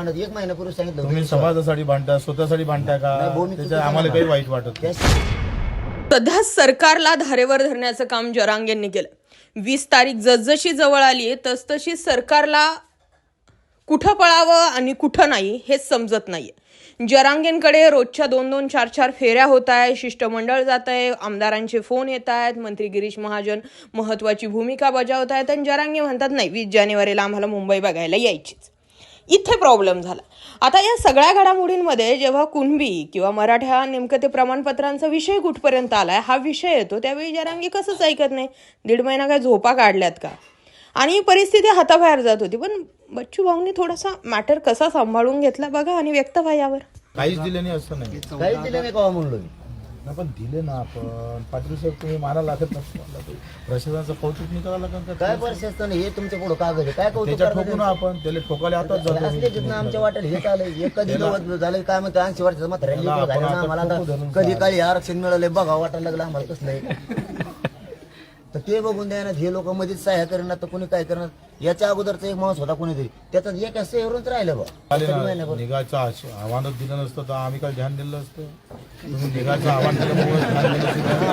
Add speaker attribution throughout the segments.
Speaker 1: भांडत 1 महिन्यापूर्वी सांगितलं होतं.
Speaker 2: तुम्ही समाजासाठी भांडता, स्वतःसाठी भांडता का?
Speaker 1: नाही, भाऊ, मी
Speaker 2: त्याच्यात
Speaker 1: चुकीचं
Speaker 2: आम्हाला
Speaker 1: नाही
Speaker 2: काही वाईट वाटत नाही.
Speaker 3: सध्या सरकारला धारेवर धरण्याचं काम जरांगेंनी केलं. 20 तारीख जसजशी जवळ आली तसतशी सरकारला कुठं पळावं आणि कुठं नाही हेच समजत नाहीये. जरांगेंकडे रोजच्या 2-2, 4-4 फेऱ्या होत आहे, शिष्टमंडळ जात आहे, आमदारांचे फोन येत आहेत, मंत्री गिरीश महाजन महत्वाची भूमिका बजावत आहेत आणि जरांगे म्हणतात नाही 20 जानेवारीला आम्हाला मुंबई बघायला यायचीच. इथे प्रॉब्लेम झाला. आता या सगळ्या घडामोडींमध्ये जेव्हा कुणबी किंवा मराठा नेमकं ते प्रमाणपत्रांचा विषय कुठपर्यंत आलाय हा विषय येतो त्यावेळी जरांगे कसंच ऐकत नाही. 1.5 महिना काय झोपा काढल्यात का? आणि परिस्थिती हाताबाहेर जात होती. पण बच्चू भाऊंनी थोडासा मॅटर कसा सांभाळून घेतला बघा आणि व्यक्त व्हा यावर.
Speaker 2: काहीच दिले नाही असं नाही.
Speaker 1: काहीच दिलं नाही का म्हणलो मी.
Speaker 2: नाही, पण दिले ना आपण. पाटील साहेब तुम्ही माना लागत नसतो. प्रशासनाचं कौतुक नाही करावं लागेल का?
Speaker 1: काय परिस्थिती नाही हे तुमच्या पुढे कागद आहे काय कौतुक
Speaker 2: त्याच्यात
Speaker 1: करणार
Speaker 2: ठोकू ना आपण. त्याला ठोकायला आताच जातो.
Speaker 1: असले जिथनं आमच्या वाटेल हे चालय हे कधी नव्वद झालं काय म्हणतो 80 वर्षाचं मात्र
Speaker 2: आपण
Speaker 1: झालं ना
Speaker 2: आता
Speaker 1: आम्हाला
Speaker 2: खूप
Speaker 1: आता
Speaker 2: धरून
Speaker 1: कधी काळी आरक्षण मिळालंय बघा वाटायला लागलं आम्हाला कसलं आहे. तर ते बघून द्या ना हे लोक मध्येच सहाय्य करणार तर कोणी काय करणार. याच्या अगोदरचा एक माणूस होता कोणीतरी त्याच्यात एक असं एवढंच राहिलं बा
Speaker 2: आले ना, निघायचं आव्हानच दिलं नसतं तर आम्ही काय ध्यान दिलं असतं. तुम्ही निघायचं आव्हान दिल्यामुळे ध्यान दिलं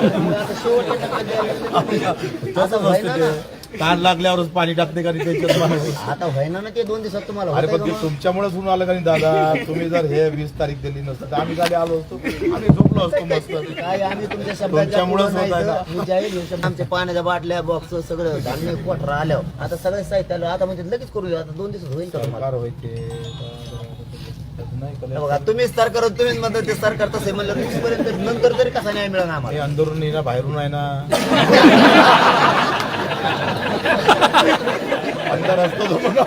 Speaker 2: तसंच असतं ते. ताण लागल्यावरच पाणी टाकते का त्याच्यात माणूस.
Speaker 1: आता व्हायना ना ते 2 दिवसात तुम्हाला
Speaker 2: अरे
Speaker 1: होतंय
Speaker 2: पण
Speaker 1: का
Speaker 2: ते
Speaker 1: मग?
Speaker 2: तुमच्यामुळेच होऊन आलं का नाही दादा. तुम्ही जर हे 20 तारीख दिली नसतं तर आम्ही गाडी आलो असतो. आम्ही झोपलो असतो मस्त.
Speaker 1: काय आम्ही तुमच्या शब्दाच्या
Speaker 2: तुमच्यामुळेच
Speaker 1: पुढं
Speaker 2: होत आहे
Speaker 1: नाही
Speaker 2: ना.
Speaker 1: तर मी जाहीर घेऊ शकतो. आमच्या पाण्याच्या बाटल्या बॉक्स सगळं धान्य कोठरा आल्यावर आता सगळे साहित्य आलं आता म्हणजे लगेच करू आता 2 दिवसात होईल का तुम्हाला?
Speaker 2: सरकार व्हायचे नाही
Speaker 1: हे
Speaker 2: केलं.
Speaker 1: बघा तुम्हीच सरकार तुम्हीच म्हणता ते सरकार तसं आहे म्हणलं तुमच्यापर्यंत नंतर तरी कसा न्याय मिळणार
Speaker 2: हे
Speaker 1: आम्हाला.
Speaker 2: अंदरून नाही ना बाहेरून आहे ना. अंदर असतो तो बघा.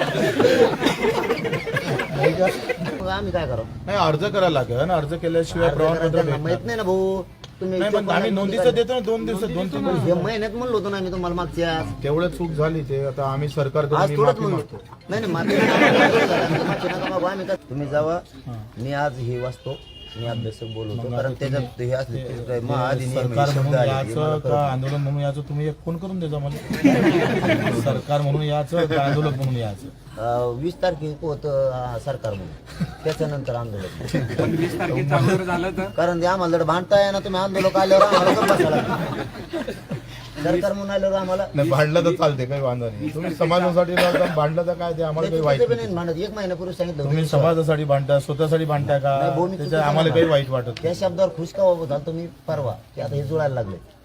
Speaker 1: नाही का? मग आम्ही काय करावं
Speaker 2: नाही अर्ज करायला लागेल. अर्ज केल्याशिवाय प्रमाणपत्र
Speaker 1: त्यांना
Speaker 2: भेटणार
Speaker 1: माहित नाही ना भाऊ तुम्ही
Speaker 2: नाही. पण आम्ही नोंदीचं देतो ना 2 दिवसात 2-3
Speaker 1: हे महिन्यात म्हणलो होतो ना आम्ही तुम्हाला मागच्या
Speaker 2: तेवढं चूक झाली ते आता आम्ही सरकारकडे
Speaker 1: आज
Speaker 2: मी
Speaker 1: थोडंच
Speaker 2: माफी
Speaker 1: म्हणलो
Speaker 2: मागतो.
Speaker 1: नाही नाही माफी नका मागू आम्ही काय तुम्ही जावा. मी आज हे वाचतो मी अभ्यासक बोलवतो कारण त्याच्यात हे असले
Speaker 2: सरकार म्हणून याचं का आंदोलन म्हणून याचं तुम्ही एक फोन करून द्यायचा मला. सरकार म्हणून याचं का आंदोलन म्हणून याचं.
Speaker 1: 20 तारखेक होतं सरकार म्हणून त्याच्यानंतर आंदोलन.
Speaker 4: 20 तारखेचं अगोदर झालं तर
Speaker 1: कारण ते आम्हाला जर भांडताय ना तुम्ही आंदोलक आल्यावर आम्हाला गप्प बसायला लागतं. सरकार म्हणून आल्यावर आम्हाला
Speaker 2: नाही भांडलं तर चालते काही वांधा नाही. तुम्ही समाजासाठी लढता, भांडलं तर काय ते आम्हाला काही वाईट
Speaker 1: त्याचं बी
Speaker 2: नाही.
Speaker 1: नाही भांडत 1 महिन्यापूर्वी सांगितलं होतं.
Speaker 2: तुम्ही समाजासाठी भांडता, स्वतःसाठी भांडता का?
Speaker 1: नाही, भाऊ, मी
Speaker 2: त्याच्यात
Speaker 1: चुकीचं
Speaker 2: आम्हाला
Speaker 1: नाही.
Speaker 2: काही वाईट वाटत नाही.
Speaker 1: त्या शब्दावर खुश का झालं तुम्ही परवा की आता हे जुळायला लागले